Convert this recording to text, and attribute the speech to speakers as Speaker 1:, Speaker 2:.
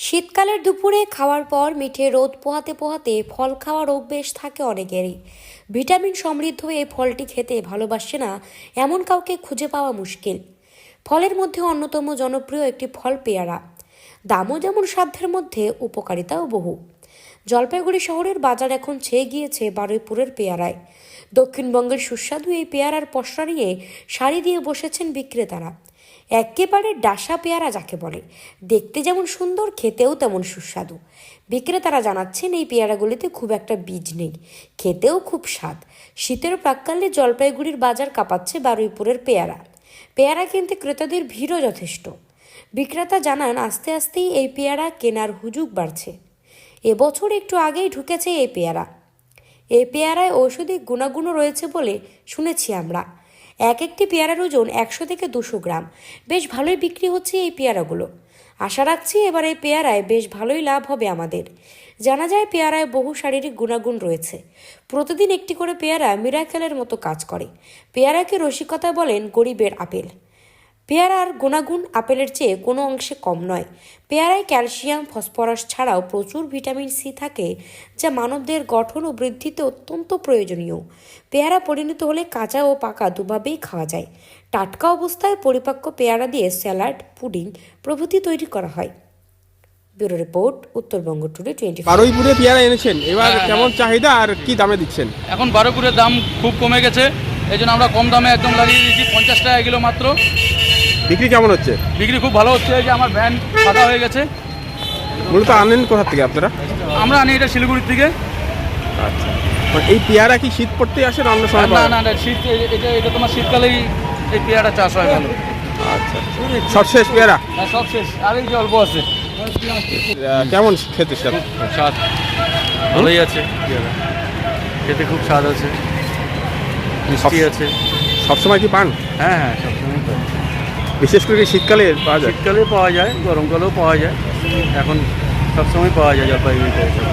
Speaker 1: শীতকালের দুপুরে খাওয়ার পর মিঠে রোদ পোহাতে পোহাতে ফল খাওয়ার অভ্যেস থাকে অনেকেরই। ভিটামিন সমৃদ্ধ এই ফলটি খেতে ভালোবাসে না এমন কাউকে খুঁজে পাওয়া মুশকিল। ফলের মধ্যে অন্যতম জনপ্রিয় একটি ফল পেয়ারা। দামও যেমন সাধ্যের মধ্যে, উপকারিতাও বহু। জলপাইগুড়ি শহরের বাজার এখন ছেয়ে গিয়েছে বারুইপুরের পেয়ারায়। দক্ষিণবঙ্গের সুস্বাদু এই পেয়ারার পসরা নিয়ে সারি দিয়ে বসেছেন বিক্রেতারা। একেবারে ডাসা পেয়ারা যাকে বলে, দেখতে যেমন সুন্দর, খেতেও তেমন সুস্বাদু। বিক্রেতারা জানাচ্ছেন এই পেয়ারাগুলিতে খুব একটা বীজ নেই, খেতেও খুব স্বাদ। শীতের প্রাক্কালে জলপাইগুড়ির বাজার কাঁপাচ্ছে বারুইপুরের পেয়ারা। পেয়ারা কিনতে ক্রেতাদের ভিড়ও যথেষ্ট। বিক্রেতা জানান আস্তে আস্তেই এই পেয়ারা কেনার হুজুগ বাড়ছে। এবছর একটু আগেই ঢুকেছে এই পেয়ারা। এই পেয়ারায় ঔষধি গুণাগুণও রয়েছে বলে শুনেছি আমরা। একটি পেয়ারার ওজন 100 থেকে 200 গ্রাম। বেশ ভালোই বিক্রি হচ্ছে এই পেয়ারাগুলো। আশা রাখছি এবার এই পেয়ারায় বেশ ভালোই লাভ হবে আমাদের। জানা যায় পেয়ারায় বহু শারীরিক গুণাগুণ রয়েছে। প্রতিদিন একটি করে পেয়ারা মিরাকেলের মতো কাজ করে। পেয়ারাকে রসিকতা বলেন গরিবের আপেল। পেয়ারার গুণাগুণ আপেলের চেয়ে কোনো অংশে কম নয়। পেয়ারায় ক্যালসিয়াম, ফসফরাস ছাড়াও প্রচুর ভিটামিন সি থাকে, যা মানবদেহের গঠন ও বৃদ্ধিতে অত্যন্ত প্রয়োজনীয়। পেয়ারা পরিণত হলে কাঁচা ও পাকা দুভাবেই খাওয়া যায়। টাটকা অবস্থায় পরিপক্ক পেয়ারা দিয়ে স্যালাড, পুডিং প্রভৃতি তৈরি করা হয়। Bureau report, Uttarbanga today 24।
Speaker 2: বারুইপুরে পেয়ারা এনেছেন, এবার কেমন চাহিদা আর কি দামে দিচ্ছেন?
Speaker 3: এখন বারুইপুরের দাম খুব কমে গেছে, এই জন্য আমরা কম দামে একদম লাগিয়ে দিয়েছি। 50 টাকা কিলো মাত্র।
Speaker 2: বিক্রি কেমন হচ্ছে?
Speaker 3: বিক্রি খুব ভালো হচ্ছে। এই যে আমার ভ্যান ফাঁকা হয়ে গেছে।
Speaker 2: মূলত আনেন কোথা থেকে আপনারা?
Speaker 3: আমরা আনি এটা শিলিগুড়ির থেকে।
Speaker 2: আচ্ছা, এই পেয়ারা কি শীত পড়তে আসে না অন্য সময়?
Speaker 3: না না না, শীত এটা তোমার শীতকালেই এই পেয়ারা চাষ হয় ভালো।
Speaker 2: আচ্ছা, সব শেষ পেয়ারা?
Speaker 3: হ্যাঁ, সব শেষ, আর এই যে অল্প আছে।
Speaker 2: কেমন খেতে স্যার?
Speaker 3: স্বাদ ভালোই আছে, খেতে খুব স্বাদ আছে, মিষ্টি আছে।
Speaker 2: সবসময় কি পান?
Speaker 3: হ্যাঁ হ্যাঁ, সবসময় পাই।
Speaker 2: বিশেষ করে কি শীতকালে পাওয়া যায়?
Speaker 3: শীতকালেও পাওয়া যায়, গরমকালেও পাওয়া যায়, এখন সবসময় পাওয়া যায় জলপাইগুড়িতে।